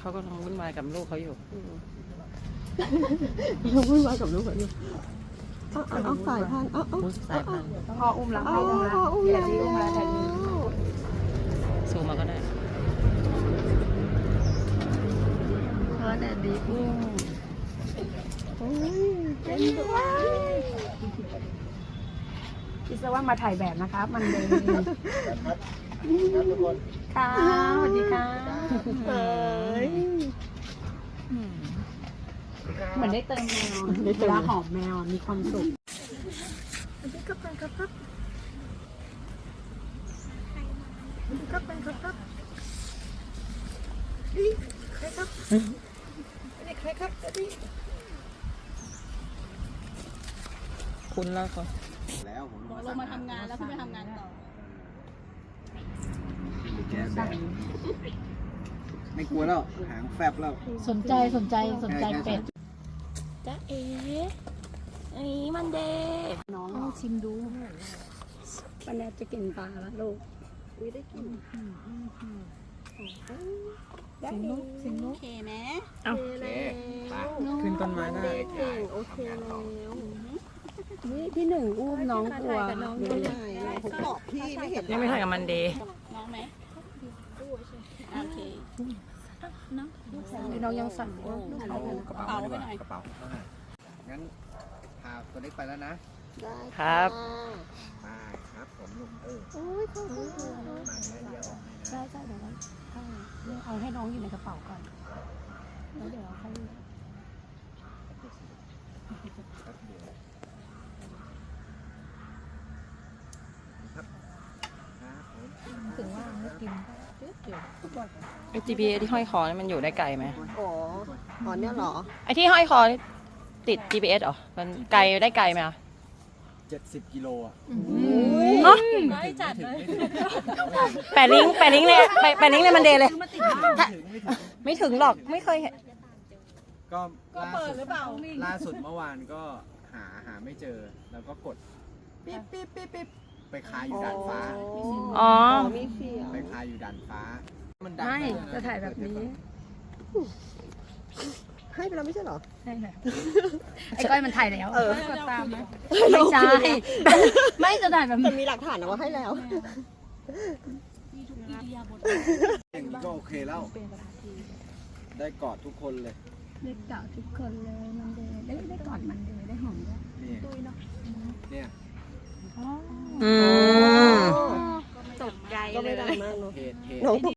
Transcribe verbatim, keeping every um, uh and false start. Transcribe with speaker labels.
Speaker 1: เขากำลังวุ่นวายกับลูกเขาอยู่
Speaker 2: เราวุ่นวายกับลูกเขาอยู่เอาเอาเอาสายพันธุ์เอาเอา
Speaker 1: สายพันธุ์
Speaker 3: พ่ออุ้มแล้ว
Speaker 2: เอา
Speaker 3: พ่ออุ้มแล้ว
Speaker 2: เอาอุ้ม
Speaker 3: เดี๋ยว
Speaker 2: แล้ว
Speaker 3: ที่อุ้มแล้วแต่นี่
Speaker 1: ซูมมาก็ได้
Speaker 3: พ่อแต่ดีอุ้ม
Speaker 2: โอ้ยเป็นด้วย
Speaker 3: คิดซะว่ามาถ่ายแบบนะครับ มันเลย
Speaker 4: ครับครับทุกคน
Speaker 3: ค่ะสวัสดีค่ะ
Speaker 2: เอ้ย
Speaker 3: เหมือนได้เติมแมวเวลาหอมแมวมีความสุข
Speaker 2: สวัสดีครับเป็นครับครับสวัสดีครับเป็นครับครับนี่ใครครับนี่ใครครับนี่
Speaker 1: คุณแล้วเขา
Speaker 4: แล้วผม
Speaker 3: ลงมาทำงานแล้วพี่ไปทำงานต่อ
Speaker 4: แกแบบไม่กลัวแล้วหางแฟบแล้ว
Speaker 3: สนใจสนใจสนใจเป็ด
Speaker 2: จ๊ะเอ๋อันนี้มันเดย์
Speaker 3: น้องชิมดูปันแนจะกินปลาแล้วลูก
Speaker 2: อุ้ยได้กิน
Speaker 3: สิงนุกสิงนุก
Speaker 2: โอเคไหม
Speaker 1: เอา
Speaker 2: โอเคแล้ว
Speaker 1: ขึ้นต้นไม้ได้
Speaker 2: เก่งโอเคแล้ว
Speaker 3: นี่พี่หนึ่งอุ้มน้องกลัว
Speaker 2: น้องก็ได้ผมบอกพี่ไม่เห็น
Speaker 1: ยังไม่ถ่ายกับมันเดย์
Speaker 3: น้องไหมโอเคน้องยังสั่นอยู่
Speaker 4: เอากระเป๋าดีกว่ากระเป๋างั้นพาตัวเล็กไปแล้วนะ
Speaker 2: ได้
Speaker 1: ครับ
Speaker 4: มาครับผมลุงเออ
Speaker 2: โอ้ยขอบคุณค่ะ
Speaker 4: มาแม่เดียวออกให้นะ
Speaker 3: ใช่ใช่เดี๋ยวเราเอาให้น้องอยู่ในกระเป๋าก่อนแล้วเดี๋ยวเราค่อย
Speaker 4: ครับเดี๋ยวครับครับผม
Speaker 3: ถึงว่าไม่กิน
Speaker 1: ไอ จี พี เอส ที่ห้อยคอนี่มันอยู่ได้ไกลไหม
Speaker 2: อ๋ออ๋อเนี่ยเหรอ
Speaker 1: ไอที่ห้อยคอนี่ติด จี พี เอส เหรอ มันไกลได้ไกลไหมอะ
Speaker 4: เจ็ดสิบกิโลอ่ะ
Speaker 1: ฮะ
Speaker 4: ไม่จัดเลย
Speaker 1: แปะลิงก์แปะลิงก์เลยแปะแปะลิงก์เลยมันเดย์เลย
Speaker 4: ไม่ถึงไม่ถึง
Speaker 1: ไม่ถึงหรอก ไม่เคยเห็น
Speaker 4: ก็ล่าสุดล่าสุดเมื่อวานก็หาหาไม่เจอ แล้วก็กดปิ๊บปิ๊บปิ๊บปิ๊บไปคาอยู่ด่านฟ้า
Speaker 1: อ๋อ
Speaker 2: มีเสียง
Speaker 4: ไปคาอยู่ด่านฟ้า มันดัง
Speaker 3: ไม่
Speaker 4: าก
Speaker 3: จะถ่ายแบบนี้
Speaker 2: ให้ไปแล้วไม่ใช่เหรอ
Speaker 3: ใช่ค่ะไอ้ก้อยมันถ่ายแล้ว
Speaker 2: เออ
Speaker 3: ตามนะไม่ใช่ ไม่จะถ่ายแบบ
Speaker 2: แต่มีหลักฐานนะว่าให้แล้ว
Speaker 4: อย่างนี้ก็โอเคแล้ว ได้กอดทุกคนเลย
Speaker 3: ได้เก่าทุกคนเลยมันเดย์ได้ได้กอดมันเดย์ได้หอมด้วย
Speaker 4: นี่เนี่ย
Speaker 1: อืม
Speaker 2: ตกใจก็ไม่ดังมากเนาะ
Speaker 4: เหตุเหตุ
Speaker 2: น้องตก